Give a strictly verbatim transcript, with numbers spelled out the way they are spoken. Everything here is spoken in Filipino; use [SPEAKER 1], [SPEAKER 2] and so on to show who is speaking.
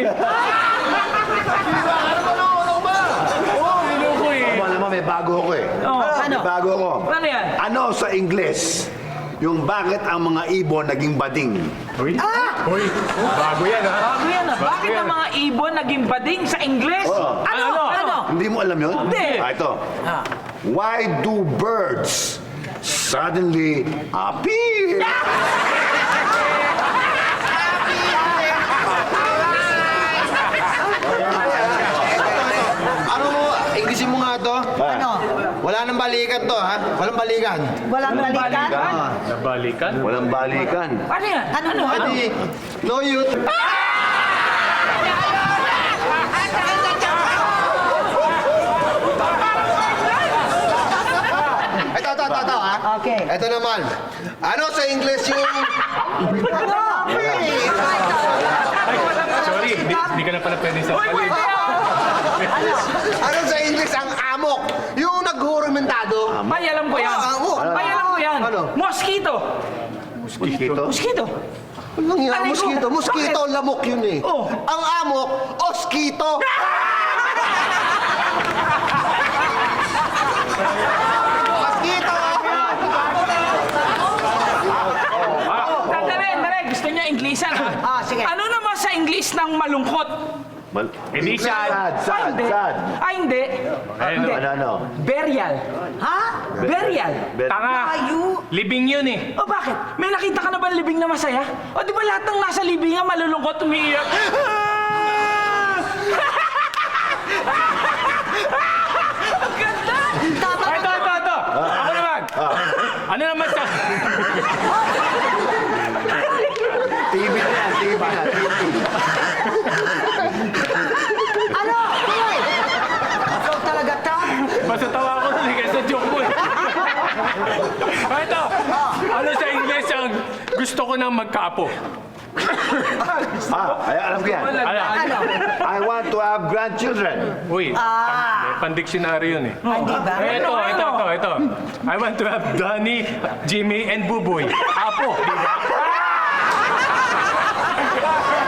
[SPEAKER 1] Ano ba nung ba?
[SPEAKER 2] Oo, hindi ko eh.
[SPEAKER 3] Alam mo, may bago ako eh.
[SPEAKER 2] Oh,
[SPEAKER 3] May bago ako.
[SPEAKER 2] Ano yan?
[SPEAKER 3] Ano sa Ingles? Yung bakit ang mga ibon naging bading?
[SPEAKER 1] Uy, uy, bago yan ha.
[SPEAKER 2] Bago yan ah. Bakit ang mga ibon naging bading sa Ingles?
[SPEAKER 3] Oo.
[SPEAKER 2] Ano?
[SPEAKER 1] Ano?
[SPEAKER 2] Ano?
[SPEAKER 3] Hindi mo alam yun?
[SPEAKER 2] Hindi.
[SPEAKER 3] Ah, ito. Why do birds suddenly appear?
[SPEAKER 1] Ano mo, Englishin mo nga to?
[SPEAKER 3] Ano?
[SPEAKER 1] Wala nang balikan to ha? Walang balikan.
[SPEAKER 4] Walang balikan?
[SPEAKER 2] Nabalikan?
[SPEAKER 3] Walang balikan.
[SPEAKER 2] Ano yan? Ano? Ano? Ano?
[SPEAKER 1] Adi, no youth. Ito, ito, ito, ito, ha?
[SPEAKER 4] Okay.
[SPEAKER 1] Ito naman. Ano sa English yung...
[SPEAKER 2] Sorry, hindi, hindi ka na pala pwede sa palit.
[SPEAKER 1] Ano sa English ang amok? Yung naghurumentado.
[SPEAKER 2] Ay, alam ko yan.
[SPEAKER 1] Ah, amok.
[SPEAKER 2] Ay, alam ko yan.
[SPEAKER 1] Ano?
[SPEAKER 2] Mosquito.
[SPEAKER 3] Mosquito?
[SPEAKER 2] Mosquito.
[SPEAKER 1] Walang nga,
[SPEAKER 2] Ano
[SPEAKER 1] mosquito.
[SPEAKER 2] yun?
[SPEAKER 1] Mosquito,
[SPEAKER 2] Bakit?
[SPEAKER 1] lamok yun eh.
[SPEAKER 2] Oh.
[SPEAKER 1] Ang amok, oskito. Mosquito!
[SPEAKER 2] Dali, dali. Gusto niya Inglesan ha?
[SPEAKER 4] Ah, sige.
[SPEAKER 2] Ano naman sa English ng malungkot?
[SPEAKER 3] Mal-
[SPEAKER 2] Hindi
[SPEAKER 3] sad.
[SPEAKER 2] sad.
[SPEAKER 3] Sad,
[SPEAKER 2] Ay, hindi.
[SPEAKER 3] sad.
[SPEAKER 2] Ay, hindi.
[SPEAKER 3] Ano, ano, ano?
[SPEAKER 2] Burial.
[SPEAKER 4] Ha?
[SPEAKER 2] Burial.
[SPEAKER 3] Ber-
[SPEAKER 2] Tanga.
[SPEAKER 4] Ayu.
[SPEAKER 2] Libing yun eh. O bakit? May nakita ka na ba libing na masaya? O di ba lahat ng nasa libingan malulungkot, umiiyak? Ang ganda! Ay, ito, ito, ito. Ako naman. Ano naman sa...
[SPEAKER 3] T V na yan, T V na, T V.
[SPEAKER 4] Ano? Tuloy! Ikaw talaga ta?
[SPEAKER 2] Basta tawa ako nun eh, kaysa joke mo eh. Ay, ito. Ano sa English ang gusto ko nang magkaapo?
[SPEAKER 3] Ah, ay, alam ko yan.
[SPEAKER 2] Ano?
[SPEAKER 4] Ano?
[SPEAKER 3] I want to have grandchildren.
[SPEAKER 2] Uy,
[SPEAKER 4] Ah.
[SPEAKER 2] pandiksyonary yun eh.
[SPEAKER 4] Hindi ba?
[SPEAKER 2] Eh, ito, ito, ito, ito. I want to have Donnie, Jimmy, and Buboy. Apo, di ba?